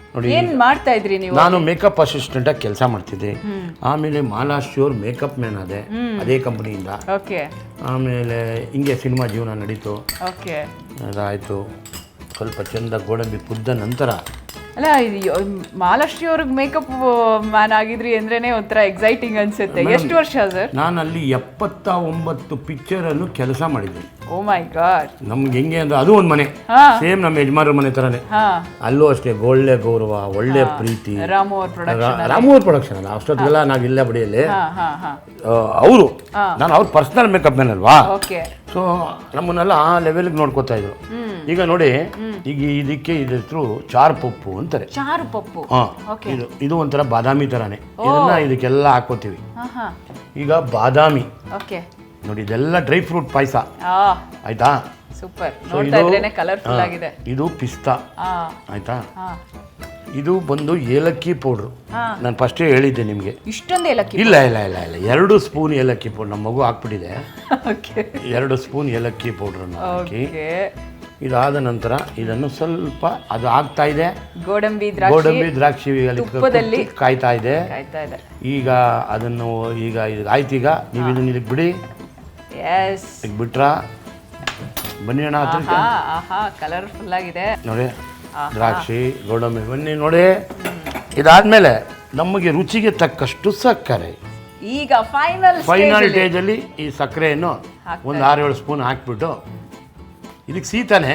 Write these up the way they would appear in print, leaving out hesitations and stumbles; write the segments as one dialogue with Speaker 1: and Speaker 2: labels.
Speaker 1: ನೋಡಿ
Speaker 2: ಏನ್ ಮಾಡ್ತಾ ಇದ್ರಿ ನೀವು?
Speaker 1: ನಾನು ಮೇಕಪ್ ಅಸಿಸ್ಟೆಂಟಾಗಿ ಕೆಲಸ ಮಾಡ್ತಿದ್ದೆ. ಆಮೇಲೆ ಮಾಲಾಶ್ಯೂರ್ ಮೇಕಪ್ ಮ್ಯಾನ್ ಆದೆ ಅದೇ ಕಂಪ್ನಿಯಿಂದ.
Speaker 2: ಓಕೆ.
Speaker 1: ಆಮೇಲೆ ಹಿಂಗೆ ಸಿನಿಮಾ ಜೀವನ ನಡೀತು.
Speaker 2: ಓಕೆ.
Speaker 1: ಅದಾಯಿತು. ಸ್ವಲ್ಪ ಚೆಂದ ಗೋಡಂಬಿ ಕುದ್ದ ನಂತರ
Speaker 2: ಅಲ್ಲ, ಮಹಾಲಕ್ಷ್ಮಿ ಅವ್ರಿಗೆ ಮೇಕಪ್ ಮ್ಯಾನ್ ಆಗಿದ್ರಿ ಅಂದ್ರೇನೆ ಒಂಥರ ಎಕ್ಸೈಟಿಂಗ್ ಅನ್ಸುತ್ತೆ. ಎಷ್ಟು ವರ್ಷ ಸರ್?
Speaker 1: ನಾನು ಅಲ್ಲಿ 79 ಪಿಕ್ಚರಲ್ಲೂ ಕೆಲಸ ಮಾಡಿದ್ದೆ.
Speaker 2: Oh my God.
Speaker 1: ನಮ್ಗೆ ಹೆಂಗೆ ಅಂದ್ರೆ ಅದು ಒಂದು ಮನೆ, ಸೇಮ್ ನಮ್ಮ ಯಜಮಾನ್ರ ಮನೆ ಥರನೇ. ಅಲ್ಲೂ ಅಷ್ಟೇ ಒಳ್ಳೆ ಗೌರವ, ಒಳ್ಳೆ ಪ್ರೀತಿ.
Speaker 2: ರಾಮು
Speaker 1: ಅವ್ರ ಪ್ರೊಡಕ್ಷನ್ ಅಲ್ಲ, ಅಷ್ಟೊತ್ತಿಗೆಲ್ಲ ನಾವಿಲ್ಲ ಬಡಿಯಲ್ಲಿ ಅವರು. ನಾನು ಅವ್ರ ಪರ್ಸನಲ್ ಮೇಕಪ್ ಮ್ಯಾನ್ ಅಲ್ವಾ, ಸೊ ನಮ್ಮನ್ನೆಲ್ಲ ಆ ಲೆವೆಲ್ಗೆ ನೋಡ್ಕೋತಾ ಇದ್ರು. ಈಗ ನೋಡಿ, ಈಗ ಇದಕ್ಕೆ ಇದ್ರ ಹೆಸರು ಚಾರು ಪಪ್ಪು ಅಂತಾರೆ.
Speaker 2: ಚಾರು ಪಪ್ಪು.
Speaker 1: ಇದು ಒಂಥರ ಬಾದಾಮಿ ಥರನೇ. ಇದನ್ನ ಇದಕ್ಕೆಲ್ಲ ಹಾಕೋತೀವಿ. ಈಗ ಬಾದಾಮಿ ನೋಡಿ, ಇದೆಲ್ಲ ಡ್ರೈ ಫ್ರೂಟ್ ಪಾಯಸ ಆಯ್ತಾ.
Speaker 2: ಸೂಪರ್. ನೋಡ್ತಾ ಇದ್ರೇನೆ ಕಲರ್ಫುಲ್ ಆಗಿದೆ.
Speaker 1: ಇದು ಪಿಸ್ತಾ ಆಯ್ತಾ. ಇದು ಬಂದು ಏಲಕ್ಕಿ ಪೌಡ್ರು. ನಾನು ಫಸ್ಟೇ ಹೇಳಿದ್ದೆ ನಿಮಗೆ.
Speaker 2: ಇಷ್ಟೊಂದು ಏಲಕ್ಕಿ? ಇಲ್ಲ
Speaker 1: ಇಲ್ಲ ಇಲ್ಲ ಇಲ್ಲ 2 ಸ್ಪೂನ್ ಏಲಕ್ಕಿ ಪೌಡ್ರ್. ನಮ್ಮ ಮಗು ಹಾಕ್ಬಿಟ್ಟಿದೆ. 2 ಸ್ಪೂನ್ ಏಲಕ್ಕಿ ಪೌಡ್ರನ್ನು ಹಾಕಿ, ಇದಾದ ನಂತರ ಇದನ್ನು ಸ್ವಲ್ಪ ಅದು ಆಗ್ತಾ ಇದೆ. ಗೋಡಂಬಿ ದ್ರಾಕ್ಷಿ ಕಾಯ್ತಾ ಇದೆ. ಈಗ ಅದನ್ನು ಈಗ ಆಯ್ತು. ಈಗ ನೀವು ಇದನ್ನ ಇದಕ್ಕೆ ಬಿಡಿ. ಈಗ ಬಿಟ್ರ ಬನ್ನಿ ಅಣ್ಣ,
Speaker 2: ಕಲರ್ಫುಲ್ ಆಗಿದೆ
Speaker 1: ನೋಡಿ. ದ್ರಾಕ್ಷಿ ಗೋಡಂಬಿ ಬನ್ನಿ ನೋಡಿ. ಇದಾದ್ಮೇಲೆ ನಮಗೆ ರುಚಿಗೆ ತಕ್ಕಷ್ಟು ಸಕ್ಕರೆ.
Speaker 2: ಈಗ ಫೈನಲ್
Speaker 1: ಸ್ಟೇಜಲ್ಲಿ ಈ ಸಕ್ಕರೆಯನ್ನು ಒಂದು 6-7 ಸ್ಪೂನ್ ಹಾಕ್ಬಿಟ್ಟು, ಇದಕ್ಕೆ ಸೀತಾನೆ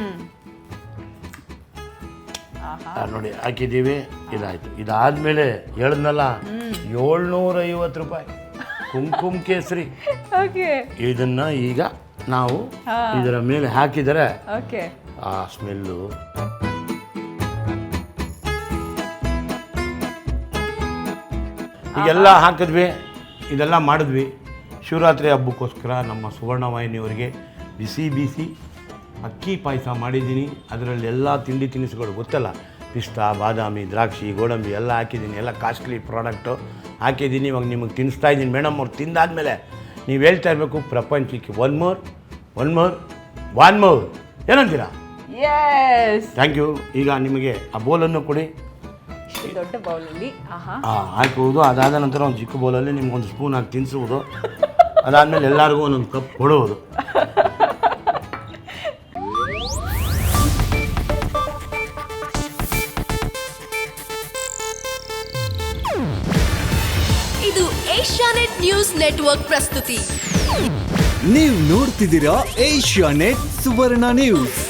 Speaker 1: ನೋಡಿ ಹಾಕಿದ್ದೀವಿ. ಇದಾಯ್ತು. ಇದಾದ್ಮೇಲೆ ಹೇಳಿದ್ನಲ್ಲ 750 ರೂಪಾಯಿ ಕುಂಕುಮ ಕೇಸರಿ. ಇದನ್ನ ಈಗ ನಾವು ಇದರ ಮೇಲೆ ಹಾಕಿದರೆ ಆ ಸ್ಮೆಲ್ಲು. ಈಗೆಲ್ಲ ಹಾಕಿದ್ವಿ, ಇದೆಲ್ಲ ಮಾಡಿದ್ವಿ. ಶಿವರಾತ್ರಿ ಹಬ್ಬಕ್ಕೋಸ್ಕರ ನಮ್ಮ ಸುವರ್ಣವಾಹಿನಿಯವರಿಗೆ ಬಿಸಿ ಬಿಸಿ ಅಕ್ಕಿ ಪಾಯಸ ಮಾಡಿದ್ದೀನಿ. ಅದರಲ್ಲಿ ಎಲ್ಲ ತಿಂಡಿ ತಿನಿಸುಗಳು ಗೊತ್ತಲ್ಲ, ಪಿಸ್ತಾ, ಬಾದಾಮಿ, ದ್ರಾಕ್ಷಿ, ಗೋಡಂಬಿ ಎಲ್ಲ ಹಾಕಿದ್ದೀನಿ. ಎಲ್ಲ ಕಾಸ್ಟ್ಲಿ ಪ್ರಾಡಕ್ಟು ಹಾಕಿದ್ದೀನಿ. ಇವಾಗ ನಿಮಗೆ ತಿನ್ನಿಸ್ತಾ ಇದ್ದೀನಿ. ಮೇಡಮ್ ಅವ್ರು ತಿಂದಾದ್ಮೇಲೆ ನೀವು ಹೇಳ್ತಾ ಇರಬೇಕು, ಪ್ರಪಂಚಕ್ಕೆ ಒನ್ ಮೋರ್ ಏನಂತೀರಾ? Thank you. ಈಗ ನಿಮಗೆ ಆ ಬೋಲನ್ನು ಕೊಡಿ.
Speaker 2: ದೊಡ್ಡ ಬೌಲಲ್ಲಿ
Speaker 1: ಹಾಕುವುದು. ಅದಾದ ನಂತರ ಒಂದು ಚಿಕ್ಕ ಬೌಲಲ್ಲಿ ನಿಮ್ಗೊಂದು ಸ್ಪೂನ್ ಹಾಕಿ ತಿನ್ನಿಸುವುದು. ಅದಾದಮೇಲೆ ಎಲ್ಲರಿಗೂ ಒಂದೊಂದು ಕಪ್ ಕೊಡುವುದು.
Speaker 3: ಇದು ಏಷ್ಯಾನೆಟ್ ನ್ಯೂಸ್ ನೆಟ್ವರ್ಕ್ ಪ್ರಸ್ತುತಿ.
Speaker 4: ನೀವು ನೋಡ್ತಿದ್ದೀರಾ ಏಷ್ಯಾನೆಟ್ ಸುವರ್ಣ ನ್ಯೂಸ್.